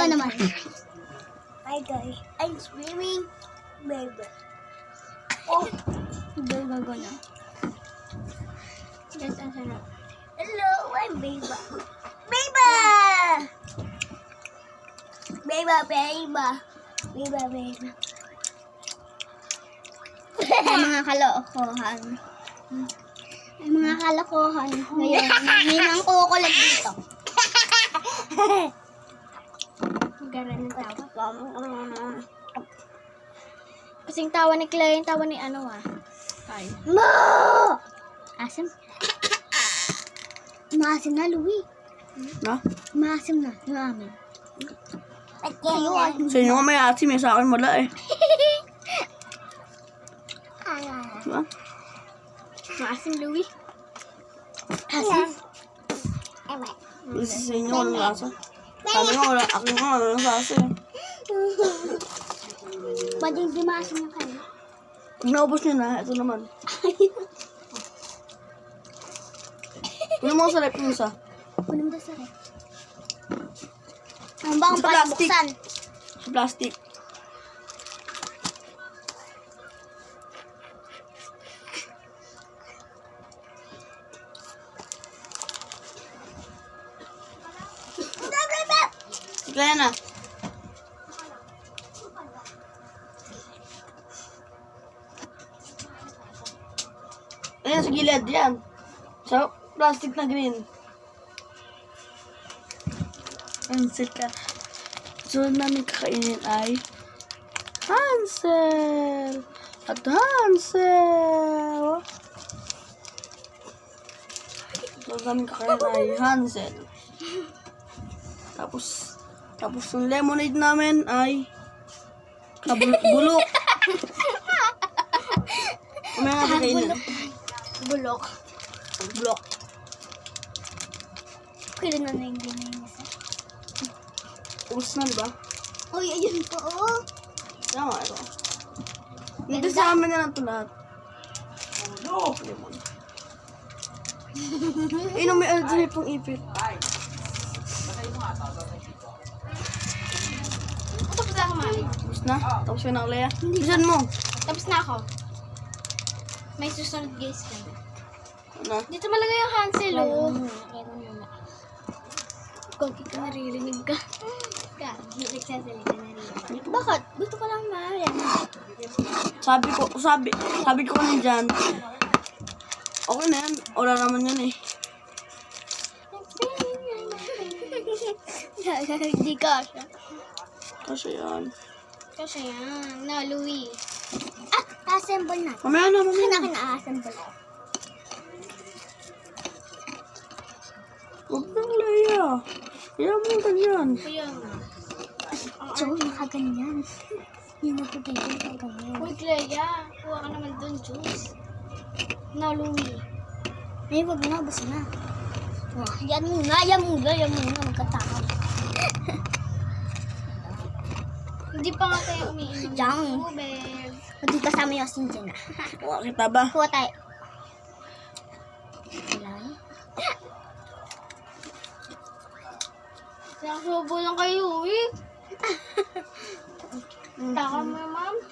Ikaw naman. Hi guys, I'm swimming. Baby. Oh, gago na. Yes, ang sarap. Hello, I'm Beba. Beba! Beba, Beba. Beba, Beba. Ay, mga kalokohan. Ay, mga kalokohan. Ngayon, may nang kukulat dito. Gara ng tawa. Kasing tawa ni Clay, yung tawa ni ano Ay. Mo! Asim? Maasim na, Louie. Na? Maasim na, yung amin. Sa inyo nga may asim eh, sa akin wala eh. Diba? Maasim, Louie. Asim? Sa inyo walang lasa. Sabi nga wala, akin nga walang lasa eh. Ba't yung di maasim na kayo? Kung naubos nyo na, ito naman. Kunin mo sa rep yung isa. Kunin mo sa rep. Ang bang Sa plastic. buksan? Sa plastic. Kaya na. Ayan, sa gilid. Yan. Sa plastic na green. Hansel ka. Sunod namin kakainin ay Hansel. At Hansel. Sunod namin kakainin ay Hansel. Tapos yung lemonade namin ay bulok. Kumaya nga kakainin. Bulok. Bulok. Kailan na yung ginayos? Ubus na, diba? Uy, ayun po, oh. Tama, ito. Hindi sa amin na lang ito lahat. Oh, lemon. Ayun, may alagay pong ipit. Tapos na ako, mami. Ubus na? Tapos yun ang Lea. Bisan mo. Tapos na ako. May susunod guys kami. Ano? Dito malagay yung Hansel, oh. Kung kita naririnig ka. Nagsasalita naririnig. Bakit? Gusto ko lang maaari. Sabi ko kanina dyan. Okay na yan. Wala naman yan eh. Hindi ka siya. Kasi yan. Kasi yan. No, Louie. Assemble na. Mamaya na. Kina-assemble ko. Huwag nang Lea. Kaya mo ganyan. Kaya nga. So, nakaganyan. Yan na po ganyan, nakaganyan. Uy, Clea. Kuha ka naman dun, juice. No, Louie. Ay, wag na. Basta na. Oh, yan muna. Magkatakot. Hindi pa nga tayo umiinom. Diyan. Tubig. Hindi kasama yung asin dyan. Kuha kita ba? Kuha tayo. Ilan? Nakasubo lang kayo, eh. Taka mo, ma'am.